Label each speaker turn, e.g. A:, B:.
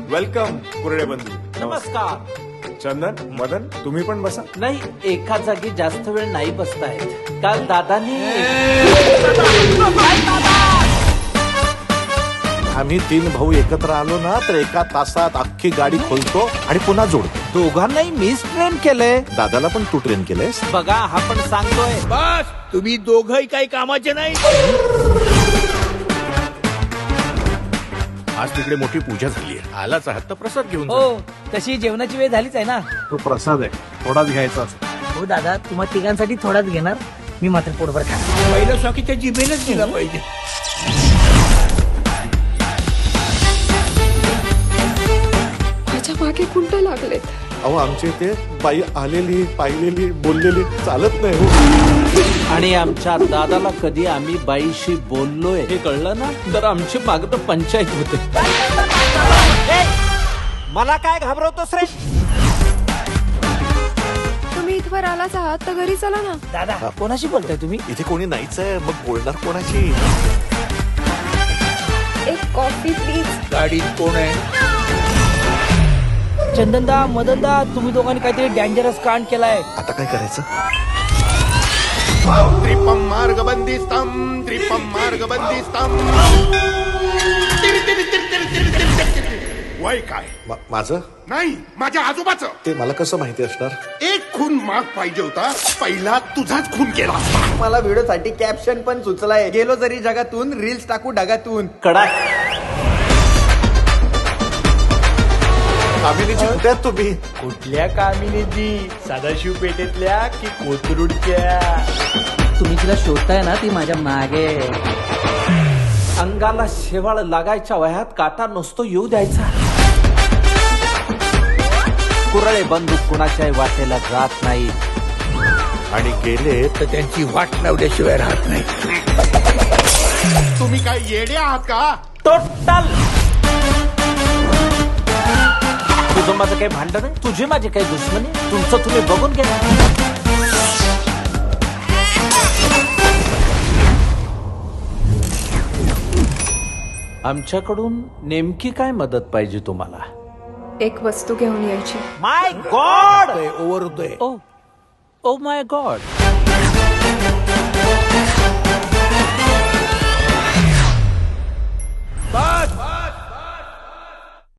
A: Welcome कुरडे बंधू.
B: नमस्कार.
A: चंदन, मदन, तुम्ही पण बसा.
B: नाही, एका जागी जास्त वेळ नाही बसतायत. काल दादानी
C: आम्ही 3 भाऊ एकत्र आलो ना तर एका तासात अख्खी गाडी खोलतो आणि पुन्हा जोडतो.
B: दोघांनाही मीच ट्रेन केलंय.
C: दादाला पण तू ट्रेन केलंयस.
B: बघा, हा पण सांगतोय.
D: बस तुम्ही दोघही काही कामाचे नाही. आज तिकडे मोठी पूजा झाली आहे. आलाच आहात तर प्रसाद घेऊन जा.
E: हो, तशी जेवणाची वेळ झालीच आहे ना.
A: तो प्रसाद आहे, थोडाच घ्यायचा असतो.
E: हो दादा, तुम्हा तिघांसाठी थोडाच घेणार, मी मात्र पोटभर खाणार.
D: पहिलं स्वाकीच्या जिभेनच दिला पाहिजे.
F: माझ्या मागे कुंड लागलेत.
C: अहो आमच्या इथे बाई आलेली पाहिलेली बोललेली चालत नाही हो.
B: आणि आमच्या दादाला कधी आम्ही बाईशी बोललोय हे कळलं ना तर आमची मागं पंचायत होते. मला काय घाबरवतोस रे?
F: तुम्ही इथवर आलाच आहात तर घरी चला ना.
E: दादा, कोणाशी बोलताय तुम्ही?
C: इथे कोणी नाहीच आहे, मग बोलणार कोणाशी?
F: एक कॉफी प्लीज.
D: गाडीत कोण आहे?
E: चंदनदा, मदनदा, तुम्ही दोघांनी काहीतरी डेंजरस कांड केलाय.
C: आता काय करायचं?
G: त्रिपम मार्गबंदिस्तम त्रिपम मार्गबंदिस्तम. वय काय?
C: माझं
G: नाही, माझ्या आजोबाचं.
C: ते मला कसं माहिती असणार?
G: एक खून माग पाहिजे होता, पहिला तुझाच खून केला.
H: मला व्हिडिओसाठी कॅप्शन पण सुचलाय, गेलो जरी जगातून रील्स टाकू ढगातून.
B: कडा
C: कामिनीची कुठे आहात तुम्ही?
D: कुठल्या कामिनीची? सदाशिव पेठेतल्या की कोथरूडच्या?
E: तुम्ही तिला शोधताय ना, ती माझ्या मागे.
B: अंगाला शेवाळ लागायच्या वयात काटा नसतो येऊ द्यायचा. कुरळे बंदूक कुणाच्याही वाटेला जात नाही.
C: आणि गेले
D: तर त्यांची वाट लावल्याशिवाय राहत नाही.
G: तुम्ही काय येडे आहात का?
B: टोटल तुझं माझं काही भांडण आहे, तुझी माझी काही दुश्मनी. तुमचं तुम्ही बघून घ्या. आमच्याकडून नेमकी काय मदत पाहिजे तुम्हाला?
F: एक वस्तू घेऊन यायची.
B: माय गॉड.
D: ओव्हर होतोय.
B: Oh my God.